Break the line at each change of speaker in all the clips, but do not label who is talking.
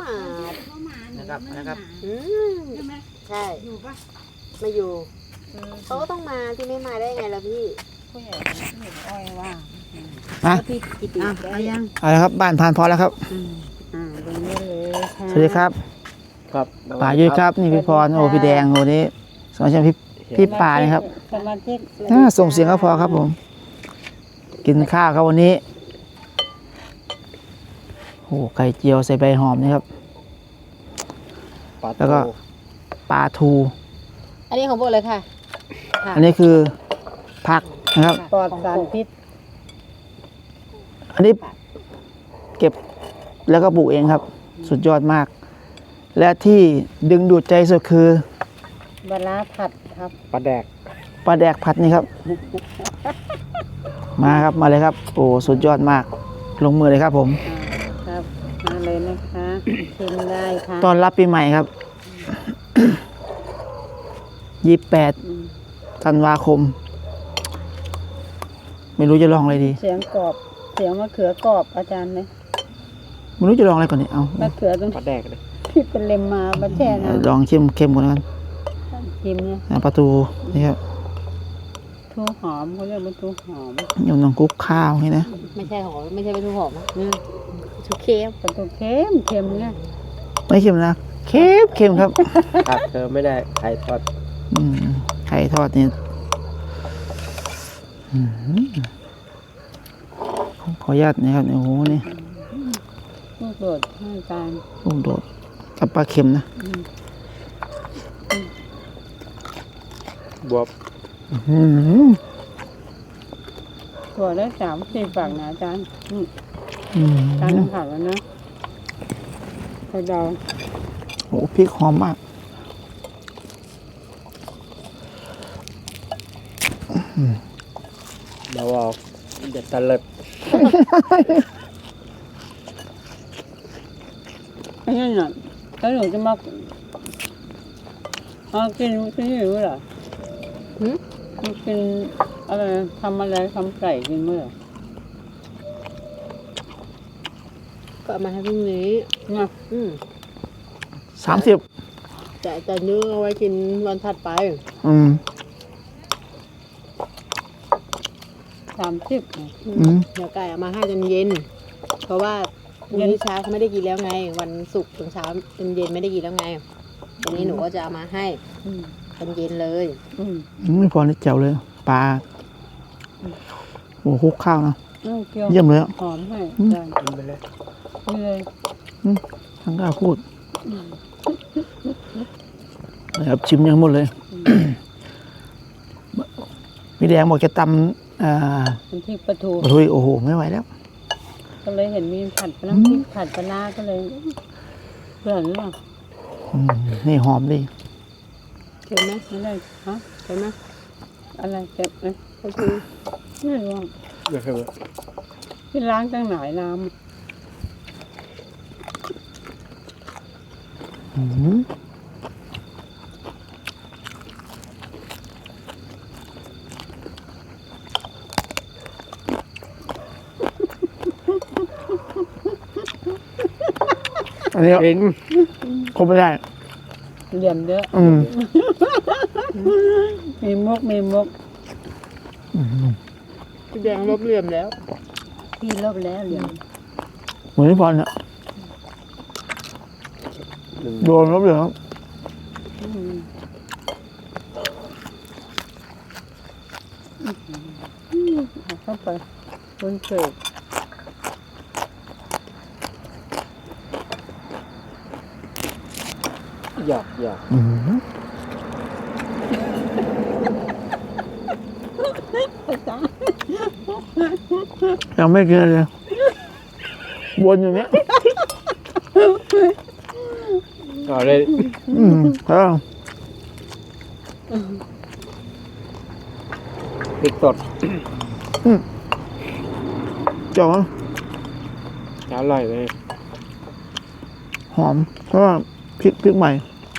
นะครับ
ใช่ไหม
ใช่
อยู่ปะ
มาอยู่เขาก็ต้องมาที่ไม่มาได้ไงล่ะพี่
ผู้ใหญ่ผู้ใหญ่อ้อยว่า
นะ
พี่กิติ
เอายัง
เอาละครับบ้านผ่านพอแล้วครับ
ลงได้เลยค่ะ
สวัสดีครับ
ครับ
ป่ายุ้ยครับนี่พี่พรโอ้พี่แดงโอ้นี่สมาชิกพี่ป่านี่ครับ
สมาชิก
ส่งเสียงก็พอครับผม กินข้าวครับวันนี้โอ้ไข่เจียวใส่ใบหอมนี่ครับ แล้วก็ปลาทู
อันนี้ของพวกเลยค่ะ
อันนี้คือผักนะครับ
ปลอดสารพิษ
อันนี้เก็บแล้วก็ปลูกเองครับ สุดยอดมาก และที่ดึงดูดใจสุดคือ
ปลาร้าผัดครับ
ปลาแดก
ปลาแดกผัดนี่ครับ มาครับมาเลยครับ โอ้สุดยอดมาก ลงมือเลยครับผม
ครับมาเลยนะคะชิมได้ค่ะ
ตอนรับปีใหม่ครับ 28 ธันวาคม ไม่รู้จะลองอะไรดี
เสียงกรอบเสียงมะเขือกรอบอาจารย์เลย
ไม่รู้จะลองอะไรก่อนเนี่ยเอา
มะเขือตรง
ปลาแดกเลย
ที่เป็นเลมมามาแช่น้
ลองเข้มก่อนแล้วกัน
ำชิมเนี่ย
ปลาทูนี่ครับ
ทูหอมเขาเรียกว่าทูหอม
ยำน้ำกุ๊กข้าวนี่นะ
ไม่ใช่หอมไม่ใช่เป็นทุกหอมชุกเค็ม
ปลาทูเค็มเค็มเนี่ย
ไม่เค็มนะเข้มครับ
ขาดเธอไม่ได้ไข่ทอด
ไข่ทอดนี่ขออนุญาตนะครับโอ้โหนี่
ลูกโดดให้อาจารย์
ลูกโดดกับปลาเค็มนะ
บวบ
ตัวได้3-4ฝักนะอาจารย์อาจารย์ผัดแล้วนะไข่ดาว
โอ้พริกหอมมาก
เราเอาเด็ดตะเลิด
ไม่ใช่หน่ะแล้วหนูจะมากินที่นี่หรือเปล่ากินอะไรทำอะไรทำไก่กินเมื่อ
ก็เอามาให้พรุ่งนี้
เนี่ย
30
จะเนื้อเอาไว้กินวันถัดไป
30
เดี๋ยวไก่เอามาให้จนเย็น เพราะว่าพรุ่งนี้เช้าเขาไม่ได้กินแล้วไง วันศุกร์ถึงเช้าจนเย็นไม่ได้กินแล้วไงวันนี้หนูก็จะเอามาให้จนเย็นเลย
ไม่พอนี่แจ๋วเลยปลาโอ้คลุกข้าวนะ เยี่ยมเลยอ่ะ
หอมให้อาจารย์
กินไปเลย
นี่เลย
ทั้งกล้าพูดนะครับชิมยังหมดเลย พี่แดงบอกจะตำ
เป็นที่ปลาทู
ปลาทูโอ้โหไม่ไหวแล้ว
ก็เลยเห็นมีผัดน้ำพริกผัดปลาร้าก็เลยเพื่อนหรือเปล่า
นี่หอมดี
เค็มไหม
ไม่ได้ฮะ
เค็มไหม
อะไรเจ็บเลย
ปลาทู
ไม่รู้
เดี๋ยวคือ
ที่ล้างตั้งหลายน้
อันนี้
กิน
ครบไม่ได้
ำเหลี่ยมเยอะมีมุก
พี่แดงลบเหลี่ยมแล้ว
พี่ลบแล้วเหลี่ยม
เหมือนพี่พรเนี่ยโดนลบเลยครับ
เข้าไปบนเศษ
หยอก
ยังไม่กินเลยวนอยู่เนี้ย
เอาเลย
แล้ว
พริกสด
จ่อ
อร่อยเลย
หอมเพราะว่าพริกใหม่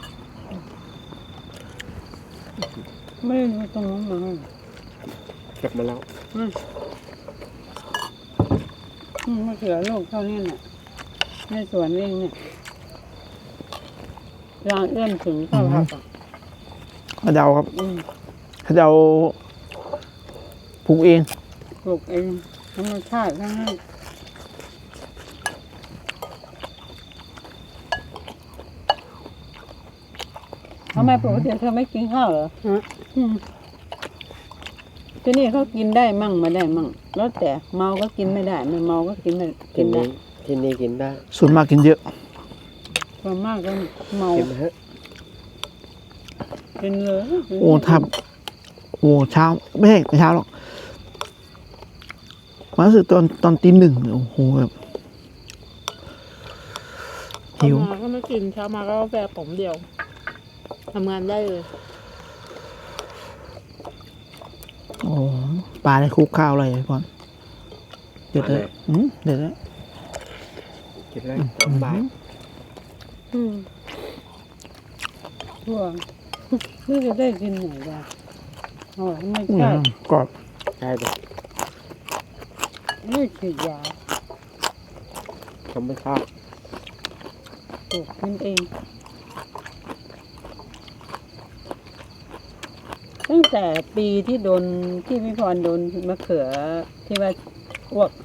ไม่ได้ดูตรงนั้นมา
เก็บมาแล้ว
มะเขือลูกเท่านี้น่ะในสวนเองเนี่ยร่างเอื้อมถึงข้าวผัดอ่ะ
กระเดาครับ
อืม
กระเดาปลูกเอง
ปลูกเองธรรมชาติทั้งนั้นทำไมปกติเธอไม่กินข้าวเหรอ
ฮะ
อืมที่นี่เขากินได้มั่งไม่ได้มั่งแล้วแต่เมาก็กินไม่ได้ไม่เมาก็กินไม่กิ
ที่
นได้
นี่ที่นี่กินได้
ส่วนมากกินเยอะ
ส่วนมากก็เมา
กินไหมฮะ
กินเลย
โอ้ทับโอ้เช้าไม่ใช่ไม่เช้าหรอกมารู้สึกตอนตีหนึ่งโอ้โหแบบหิว
เช้ามาก็ไม่กินเช้ามาก็กาแฟผมเดียวทำงานได้เลย
โอ้ปลาในคลุกข้าวอะไรก่อนเด็ดเลยเด็ดเลย
กินได้ตอนบ่าย
อืมทั่วนี่จะได้กินไหนบ้างอ๋อไม่ใช่
กรอบ
ใช่ดิ
ไม่ฉีดยา
เขาไม่ชอบ
ปลูกกินเองตั้งแต่ปีที่โดนที่พี่พรโดนมะเขือที่ว่าอ้วก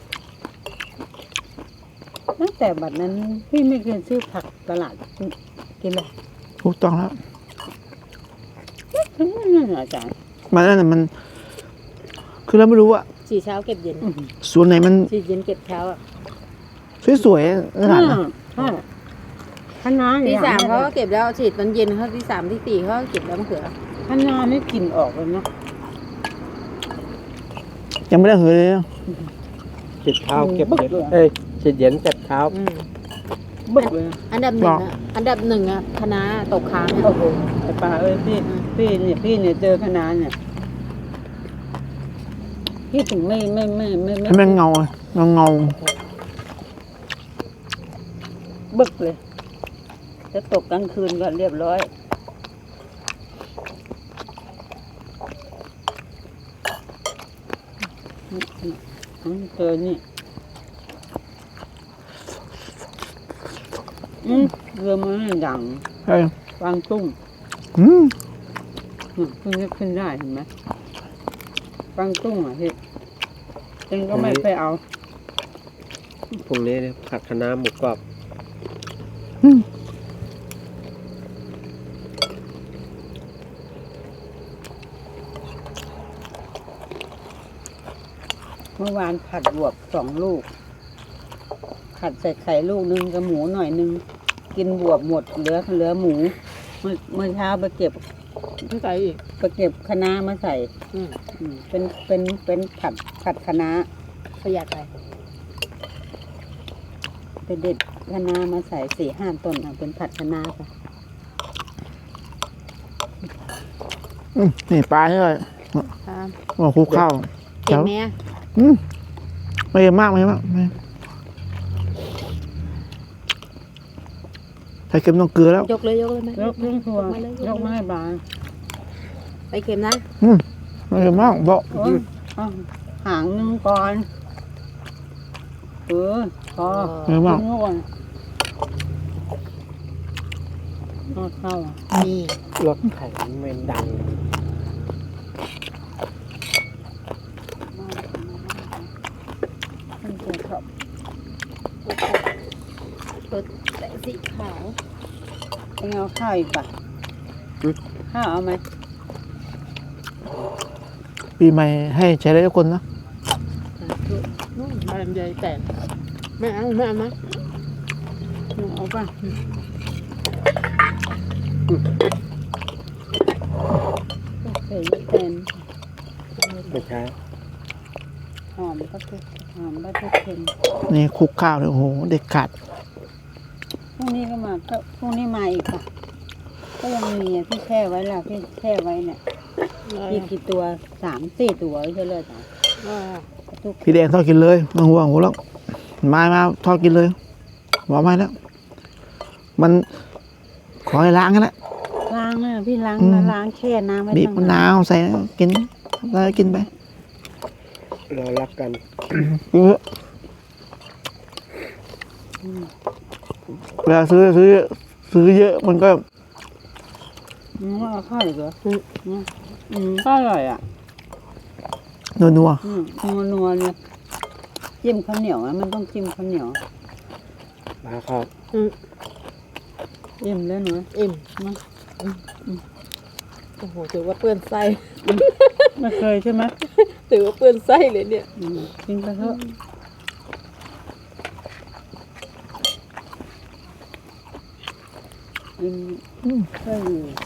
ตั้งแต่บัดนั้นพี่ไม่เคยซื้อผักตลาดกินเลย
ถูกต้องแล้ว
ถึงนั่นเหรออาจารย์
มันนั่นน่ะมัน คือเราไม่รู้ว่า
ฉีดเช้าเก็บเย็น
ส่วนไหนมัน
ฉีดเย็นเก็บเช้าอ่ะ
สวยๆขนาดนั้น
ใช่คณะ
ตี
อย่ง
สาม
นี้
เขาก็เก็บแล้วฉีดตอนเย็นเขาตีสามตีสี่เขาก็เก็บแล้วมะเขือ
คณะนี่กลิ่นออกเลยนะ
ยังไม่ได้หือเลยนะ
ฉีดเช้าเก็บเย็นเอ้ยฉีดเย็นเก็บเช้า
บึกเลย
อันดับหนึ่งอ่ะอันดับหนึ่งอ่ะคณะตกค้าง
โอ้
อ่ะ
โหไอ้ปลาเอ้ยพี่เนี่ยเจอคณะเนี่ยพี่ถึงไม่
ให้มันเงาเงา
บึกเลย จะตกกลางคืนก็เรียบร้อยเจอนี่เรือมันดัง
เฮ้ย
กวางตุ้ง
อืม
เพิ่งจะขึ้นได้เห็นไหมกวางตุ้งอ่ะพี่เองก็ไม่ไปเอา
พรุ่งนี้เนี่ยผัดคะน้าหมูกรอบ
อืม
เมื่อวานผัดบวบ2 ลูก ผัดใส่ไข่ลูกนึงกับหมูหน่อยนึง กินบวบหมดเหลือหมู เมื่อเช้าไปเก็บ
ไม่ใส่อีก
คะน้ามาใส่
อืม
เป็นผัดคะน้า
ประหยัดไป
ไปเด็ดคะน้ามาใส่4-5 ต้นเอาเป็นผัดคะน้าค่ะ
นี่ปลาใช่ไหม
ครับ
โอ้คลุกข้าว
เก็บไหมอ่ะ
ไม่เยอะมากไม่เยอะมากใส่เค็มต้องเกลือแล้ว
ยกเลยไหม
ยกเครื่องครัวย
มาเลย
ยกมาให้บาน
ไปเค็มนะ
ไม่เยอะมากบอก
โอ้ยเอาหางนึงก่อนพอ
ไม่เยอะมาก
ทิ้งก่อนเอาเข้าอ่ะ
นี่
รถไถไม่ดัง
มันจะชอบ
รถแต่สีขาว
เองเอาข้าวอีกป่ะข้าวเอาไหม
ปีใหม่ให้ใช้ได้ทุกคนนะ
นู่นใบลำไยแตกไม่เอานะ
เอาป่ะใส่แทน
ไม่ใช่
หอมก็ทุกเค็ม
นี่คลุกข้าวเลยโอ้โหเด็ดขาด
พรุ่งนี้ก็มาก็พรุ่งนี้มาอีกค่ะ ก็ยังมีอ่ะพี่แช่ไว้แล้วพี่แช่ไว้เนี่ยพี่กี่ตัว3-4 ตัวไม่ใช่เลยจ้ะทุก
พี่แดงทอดกินเลยไมาห่วงหัวแล้วมาทอดกินเลยบอกไม่แล้ว มันขอให้ล้างกันแหละ
ล้างอ่ะพี่ล้าง
อืม
ล้างแช่น้ำไว้
บีบ
ตั้ง
มะนาวใส่กินแล้วกินไป
เรารักกัน
เยอะเวลาซื้อเยอะมันก็
ว่าเอาข้าวอีกเหรอก็อร่อยอ่ะ
นัว
นัวๆเนี่ยจิ้มข้าวเหนียวมันต้องจิ้มข้าวเหนียว
มาครับ
อิ่มแล้วหนู
อิ่ม
มา
โอ้โหถือว่าเปื้อนไส้
ไม่เคยใช่ไหม
ถือว่าเปื้อนไส้เลยเนี่ย
กินไปเถอะกินใช่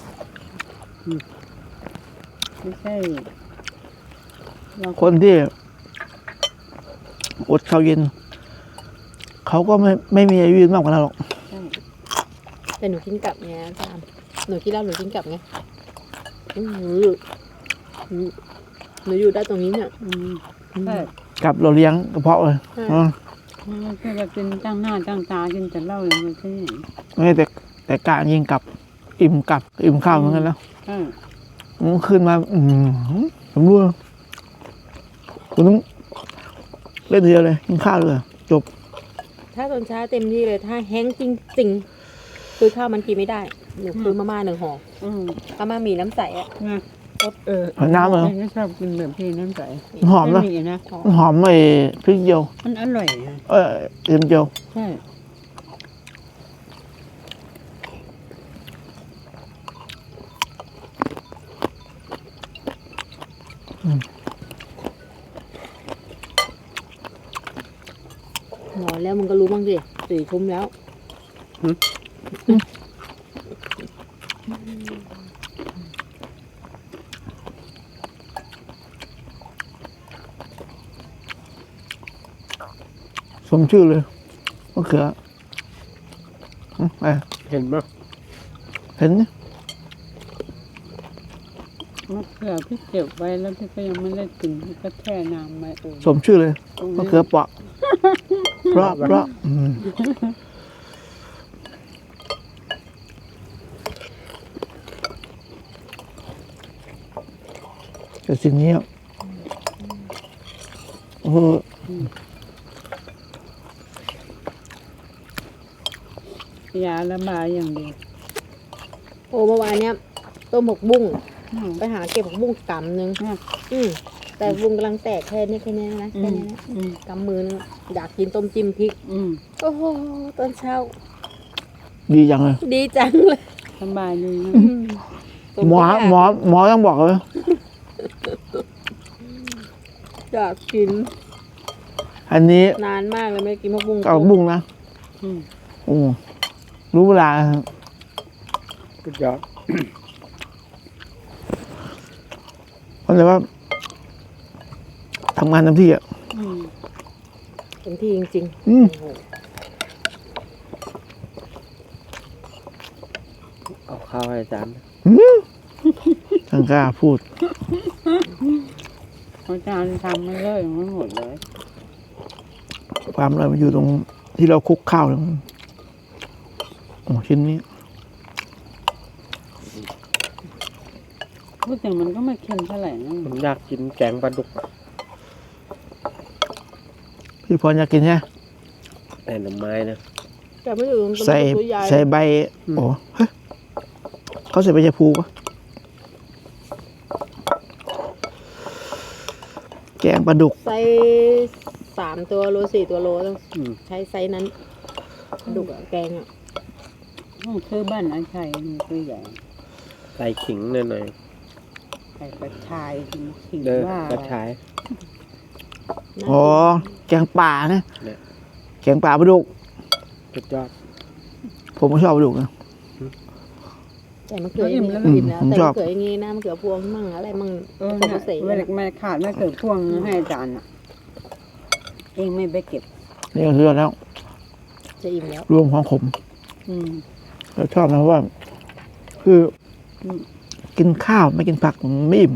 ไม่ใช่เรา
ๆคนที่อดข้าวเย็น เขาก็ไม่มีอายุยืนมากกว่าเราหรอก
ใช่
แต่หนูกินกลับไงอาจารย์หนูกินแล้วหนูกินกลับไงหนูอยู่ได้ตรงนี้เนี่ย
ใช่
กับเราเลี้ยงกระเพาะเลย
ใช่
ไม่ใช่ว่ากินตั้งหน้าตั้งตากินแต่เหล้าอย่างเดียวที่ไหน
ไม่แต่กะยิงกับอิ่มข้าวเหมือนกันแล้ว
ใช่
มันขึ้นมาผมรู้แล้วคุณต้องเล่นเดียวเลยกินข้าวเลยจบ
ถ้าตอนเช้าเต็มที่เลยถ้าแห้งจริงๆคือข้าวมันกินไม่ได้หนูซื้อมาม่า1 ห่อมาม่ามีน้ำใสอ่ะ
ไง
น้ำเหรอ
ไม่ชอบกินแบบพี่น้ำใส
หอมนะ
ไมีนะ
หอมไอ้พริกเจียว
มันอร่อยนะ
เอ็มเจียว
ใช่
นอนแล้วมึงก็รู้บ้างสิ4 ทุ่มแล้ว
สมชื่อเลยมะเขือไป
เห็นไหม
เห็นไหม
มะเขือพี่เก็บไว้แล้วพี่ก็ยังไม่ได้กินพี่ก็แช่น้ำไว้
สมชื่อเลยมะเขือเปราะเพราะแต่สิ่งนี้
ยาระบายอย่างเดียว
โอ้เมื่อวานเนี้ยต้มผักบุ้งไปหาเก็บผักบุ้งกำนึงแต่บุ้งกำลังแตกแค่นี้นะแค่นี้นะกำมือนึงอยากกินต้มจิ้มพริกโอ้โหตอนเช้า
ดีจังเลย
ดีจังเลย
สบายดีนะ
หมอต้องบอกเลย
อยากกิน
อันนี้
นานมากเลยไม่ได้กินผักบุ้ง
เอาบุ้งนะโอ้รู้เวลา
สุดยอด
เพราะเลยว่าทำงานเต็มที่อ่ะ
เต็มที่จริง
เอาข้าวให้อาจารย์
ทางกล้าพูด
อาจารย์ทำมาเลยไม่หมดเลย
ความอร่อยมันอยู่ตรงที่เราคลุกข้าวเลยโอ้ชิ้นนี้
พูดถึงมันก็ไม่เค็มเท่าไหร่นะ
ผมอยากกินแกงปลาดุกอะ
พี่พรอยากกินใช่ไหม
แต่หน่อไม้นะ
ๆแต่ไม่อยู่ตรง
ใส่
ตัวใหญ่
ใส่ใบโอ้เฮ้ยเขาใส่ใบชะพูปะแกงปลาดุก
ไซส์3 ตัวโล4 ตัวโลต้องใช้ไซส์นั้นดุกอะแกงอะ
ต้องซื้อบ้านอาชัยมันตัวใหญ่
ใส่ขิงหน่อย
ใส่กระชายขิง
ๆเด้อ
ว่าก
ระชาย
อ๋อแกงป่านะ
เนี่ย
แกงป่าปลาดุก
สุดยอด
ผมก็ชอบปลาดุกนะ
แต่มะเขืออย่างนี้แล้วกินแล้วแต่มะเขืออย่างนี้นะมะเขือพวงมั่งอะไรมั่ง
เนี่ยไม่ขาดไม่เกิดพ่วงให้อาจารย์อ่ะ เองไม่ไปเก็บ
นี่ก็คือยอดแล้ว
จะอิ่มแล้ว
รวมของผมเราชอบนะเพราะว่า คือกินข้าวไม่กินผักไม่อิ่ม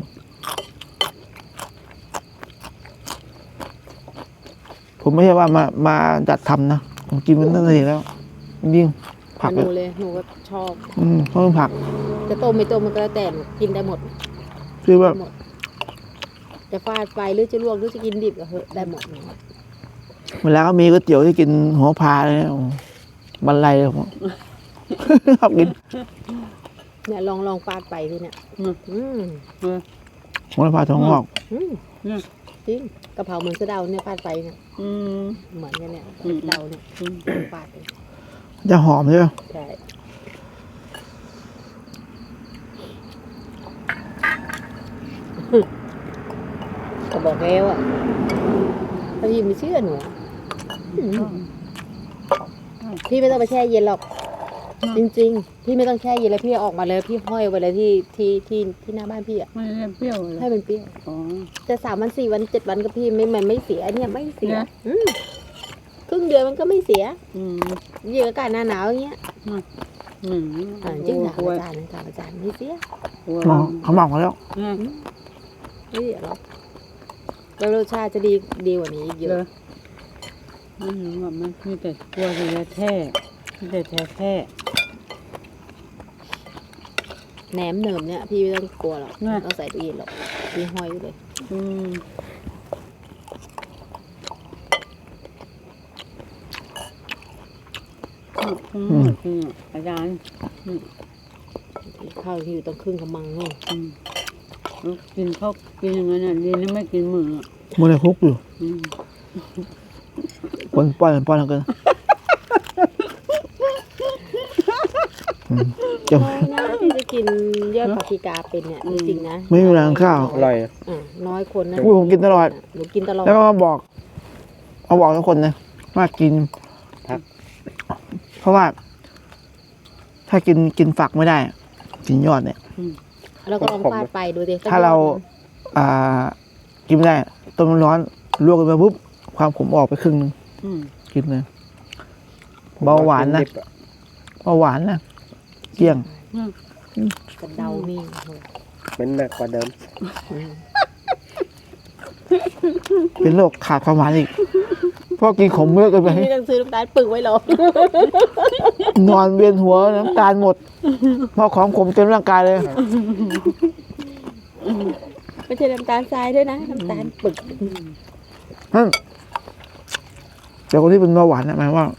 ผมไม่ใช่ว่ามาจัดทำนะผมกินมันตั้งแต่เด็กแล้วยิ่งผัก
หนูเลยหนูก็ชอบ
เพราะมันผัก
จะต้มไม่ต้มมันก็แล้วแต่หนูกินได้หมด
คือว่า
หมดจะฟาดไฟหรือจะลวกหรือจะกินดิบก็เหอะได้หมด
เวลาเขามีก๋วยเตี๋ยวที่กินหัวพาเลยนะโอ้บรรลัยเลยผม ชอบกิน
เนี่ยลองฟาดไปทีเนี่ยอืม
โหระพาทองงอก
อืม
เนี่ย
จริงกะเพราเหมือนสะเดาเนี่ยฟาดไปเนี่ย
อืม
เหมือนกันเนี่ย
อืม
สะเดาเนี่ยฟาดไป
จะหอมใช่ไหม
ใช่ก็บอกแล้วอ่ะถ้าพี่ไม่เชื่อหนูอืมพี่ไม่ต้องไปแช่เย็นหรอก จริงๆ พี่ไม่ต้องแช่เย็นแล้วพี่เอาออกมาเลยพี่ห้อยไว้เลยที่หน้าบ้านพี่อ่ะ
ไม่ได้เปรี้ยวเลย
ให้มันเปรี้ยว
อ๋อ
จะ3 วัน 4 วัน 7 วันก็พี่มันไม่เสียเนี่ยไม่เสีย
นะ
ครึ่งเดือนมันก็ไม่เสีย
อืม
ยิ่งอากาศหน้าหนาวอย่างเงี้ย
อืม
จริงถาม
กลัว
อาจารย์ไม่เสีย
กลัว
หมอเขาบอกมาแล้ว
เนี่ย
ไม่เสียหรอกแล้วรสชาติจะดีกว่านี้อีกเย
เล
อะ
ยไม่รู้ว่ามันมีแต่กลัวแต่แท้มีแต่แท้
แหนมเนิมเนี่ยพี่ไม่ต้องกลัวหรอก
น่ะ
เราใส่ตู้เย็นหรอกพี่ห้อยไว้เลย
อืมคืออาจารย์
ข้าวที่อยู่ต้องครึ่งกำมังนู่น
กินข้าวกินอย่างนั้นอ่ะดีนะไม่กินมืออ่ะ
มันเลยคุกอยู่
อืม
ป้อนกันเกินจะ
น้อยนะที่จะกินยอดปาปริกาเป็นเนี่ยจริงๆนะ
ไม่มีแรงข้าว
อร่อยอะ
น้อยคนนะ
อุ้ยผมกินตลอด
หนูกินตลอด
แล้วก็มาบอกทุกคนนะว่ากิน
พัก
เพราะว่า ถ้ากินฝักไม่ได้ กินยอดเนี่ย
แล้วก็ลองฟาดไปดูดิ
ถ้าเรา กินไม่ได้ต้มน้ำร้อนลวกกันไปปุ๊บความขมออกไปครึ่งนึง
อืม
กินเลย เบาหวานนะ
ดิบอ
เบาหวานนะเกลี้ยง
กระเดานี่โห
เป็นหนักกว่าเดิม
เป็นโรคขาดความหวานอีกเพราะกินขมเยอะเกินไป
พี่ต้องซื้อน้ำตาลปึกไว้หรอก
นอนเวียนหัวน้ำตาลหมดเพราะของขมเต็มร่างกายเลย
ไม่ใช่น้ำตาลทรายด้วยนะน้ำตาลปึก
แต่คนที่เป็นเบาหวานนะหมายว่า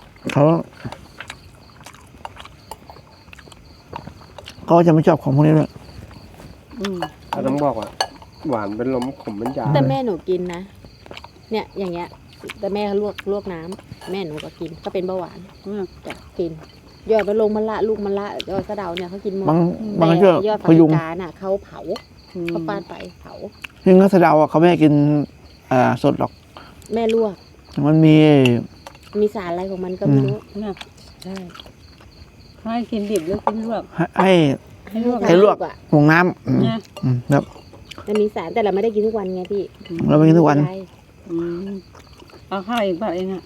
เขาจะไม่ชอบของพวกนี้ด้วย
อืม
เราต้องบอกว่าหวานเป็นลมขมเป็นยา
แต่แม่หนูกินนะเนี่ยอย่างเงี้ยแต่แม่เขาลวกน้ำแม่หนูก็กินก็เป็นเบาหวาน จ้ะกินยอดมะลงมะละลูกมะละยอดสะเดาเนี่ยเขากินหมด
บางช่วย
แต่ยอด
พ
ปาปริ
ยุง
กาน่ะเขาเผาเขาฟาดไปเผา
ซึ่งก็สะเดาอ่ะเขาไม่ให้กินสดหรอก
แม่ลวก
มันมี
มีสารอะไรของมันก็ไม่รู้
เนี่ย
ใช่
ให้กินดิบหรือกินลวก
ให้ ให้ลวก
อ่ะ
หงน้ำ
เนี่ย
ครับ
มันมีสารแต่เราไม่ได้กินทุกวันไงพี่
เราไม่กินทุกวัน
ไม่ได้
อืมเอาข้าวอีกป่ะเองอ่ะ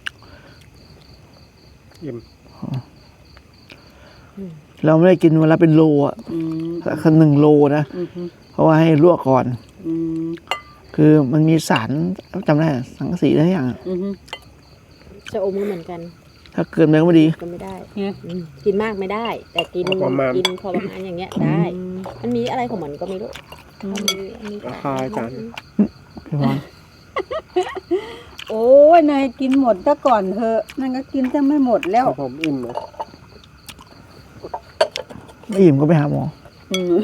อิ่ม
เราไม่ได้กินวันละเป็นโลอ่ะ
อืม
สัก1 โลนะ
อืม
เพราะว่าให้ลวกก่อน
อืม
คือมันมีสารจำได้สังกะสีอะไรอย่างอะ
อืม
จะอมก็เหมือนกัน
ถ้าเกินไปก็ไม่ดี
ก็ไม่ได้
เนี่ย
กินมากไม่ได้ แต่กินพอประมาณอย่างเงี้ยได้
อืม
มันมีอะไรของมันก็ไม่รู้มันมี
ราคาอาจารย์
พี่พร
โอ้ยนายกินหมดซะก่อนเถอะนั่นก็กินจะไม่หมดแล้ว
ผมอิ่มนะ
ไม่อิ่มก็ไปหาหมอ
อืม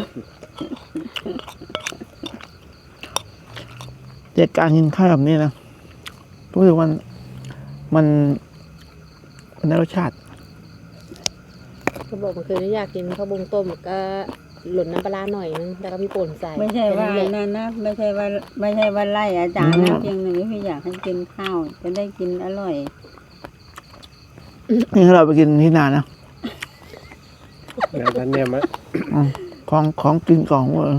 แต่การกินข้าวแบบนี้นะรู้สึกมันได้รสชาติ
เขาบอกมันคืออยากกินข้าวบงต้มก็หล่นน้ำปลาร้าหน่อยนึงแล้วก็พี่ป่นใส่
ไม่ใช่ว่า
แค่นั้นแหละ
นั่นนะไม่ใช่ว่าไล่อาจารย์นะเพียงหนึ่งพี่อยากให้กินข้าวจะได้กินอร่อย
นี่ถ้าเราไปกินที่นานนะ
แล้วท่านเนี่ยมะ
ของกินกล่องเวอร์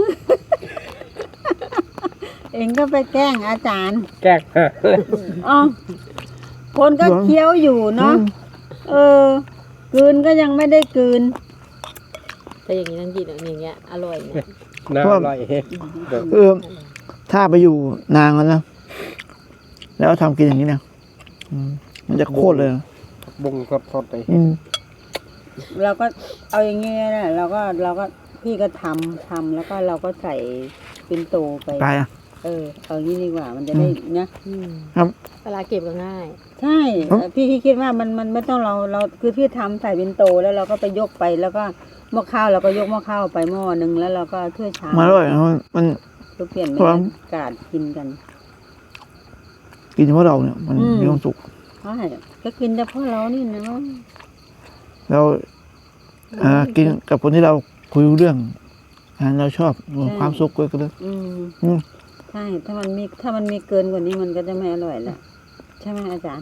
เองก็ไปแกล้งอาจารย์
แก้ง
อ๋อคนก็เคี้ยวอยู่เนาะกลืนก็ยังไม่ได้กลืน
แต่อย่างนี้ต้องกินอย่างเงี้ยอร่อยเนี่ย
น่าอร่อยเดี๋ยว
คือถ้าไปอยู่นานแล้วนะแล้วทำกินอย่างนี้นะมันจะโคตรเลย
บุ้งสดๆเลย
เราก็เอาอย่างเงี้ยนะเราก็พี่ก็ทำแล้วก็เราก็ใส่ปินโตไป
ตายอ่ะ
เอางี้ดีกว่ามันจะได้นะ
ครับ
เวลาเก็บก็ง่าย
ใช่พี่คิดว่ามันไม่ต้องเราคือพี่ทำใส่ปินโตแล้วเราก็ไปยกไปแล้วก็หม้อข้าวเราก็ยกหม้อข้าวไปหม้อหนึ่งแล้วเราก็ถ้วยชาม
มาอร่อยนะมัน
ก็เปลี่ยนบร
ครับ
รยากาศกินกัน
กินเฉพาะเราเนี่ยมัน
อืม
มีความสุข
ใช่ก็กินแต่พ่อเรานี่นะ
เรากินกับคนที่เราคุยรู้เรื่องเราชอบความสุขก็เลย อืม
ใช่ถ้ามันมีเกินกว่านี้มันก็จะไม่อร่อยละใช่ไหมอาจารย์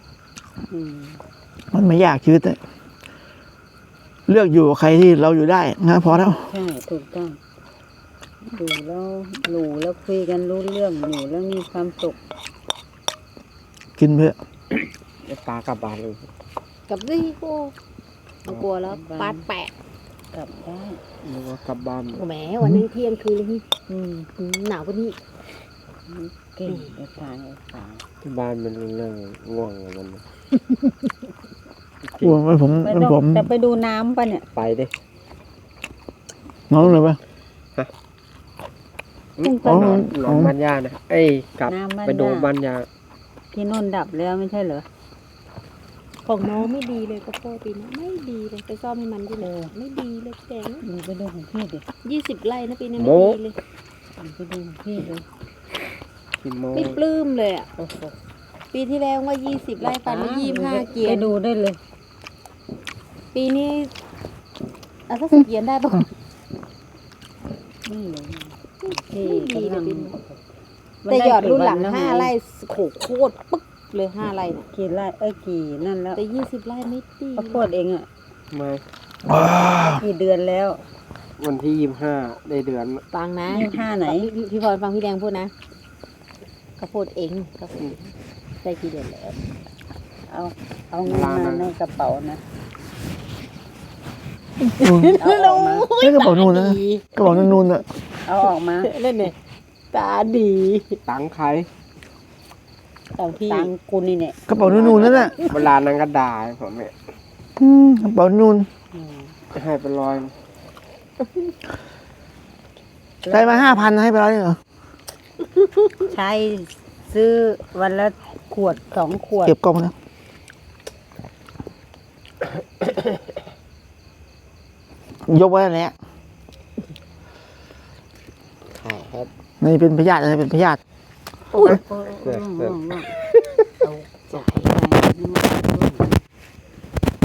มันไม่ยากชีวิตเนี่ยเลือกอยู่กับใครที่เราอยู่ได้นะพอแล้ว
ใช่ถูกต้องอยู่แล้วคุยกันรู้เรื่องอยู่แล้วมีความสุข
กินเพื่อ
จะปลากลับบ้านเลย
กับดิโอ้เอากลัวแล้วปาดแปะ
กลับได้
นึกว่ากลับบ้าน
โอ้แหมวันนึงเที่ยงคืนเลยพี่
อืม
หนาวกว่านี้
เก่งไอ้ตายไอ้ตาย
ที่บ้านมันเรื่องง่วงของมันนะ
กลัวมันผม
ไม่
มัน
ต้อง
ผม
จะไปดูน้ำปะเนี่ย
ไปดิ
น้องเลยปะ
ต้องไป
อ๋อ
นอน
หนองบ้านย่านะเอ้ยกลับ
น้ำบ้าน
ไปดู
ย่า
บ้านยา
ที่โน่นดับแล้วไม่ใช่เหรอ
ของน้องไม่ดีเลยก็โปรปีนี้ไม่ดีเลยไปซ่อมให้มันที่ไหนไม่ดีเลยแกง
ดูไปดูของพี่ดิ
20 ไร่นะปีนี้ไม่ดีเลย
ดูไปดูของพี่ดิ
กี่โมง
ไม่ปลื้มเลยอ่ะ
โอ้โห
ปีที่แล้วว่า20 ไร่ปันมา25 เกีย
ไป
ร์
ดูได้เลย
ปีนี้เอาสัก10 เกียร์ได้ปะ
นี่เลย
ไม่ดีเลยปีนี้
มัน
แต่
ได้
หยอดรุ่นหลัง
กี่วัแว
5 ไร่โขโคตรปึ๊กเลย5 ไร่น่ะ
กี่ไร่กี่นั่นแล้ว
แต่20 ไร่ไม่ดี
ข้าวโพดเองอ่ะ
ไม่
กี่เดือนแล้ว
วันที่25ได้เดือน
ฟังนะ
25ไหน
พี่พรฟังพี่แดงพูดนะข้าวโพดเองข้าวโพดได้กี่เดือนแล้ว
เอาเงินมาในกระเป๋านะ
อืม
เอาออกมา
นี่กระเป๋านูนนะกระเป๋านูนๆอ่ะ
เอาออกมา
เล่นเนี่ยตาดี
ตังค์ใคร
ต่างพี่
ตังกูนี่เนี่ย
กระเป๋านูนๆนั่นแหละ
เวลานั้นก็ด่าผมเนี่ย
กระเป๋านูน
ให้ไปลอย
ได้มา5,000ให้ไปแล้วเหรอ
ใช้ซื้อวันละขวด2 ขวด
เก็บกล่องนะยกไว้แล้วแหละ
ขายครับ
นี่เป็นพยาธิอะไรเป็นพยาธิ
เอาใจไป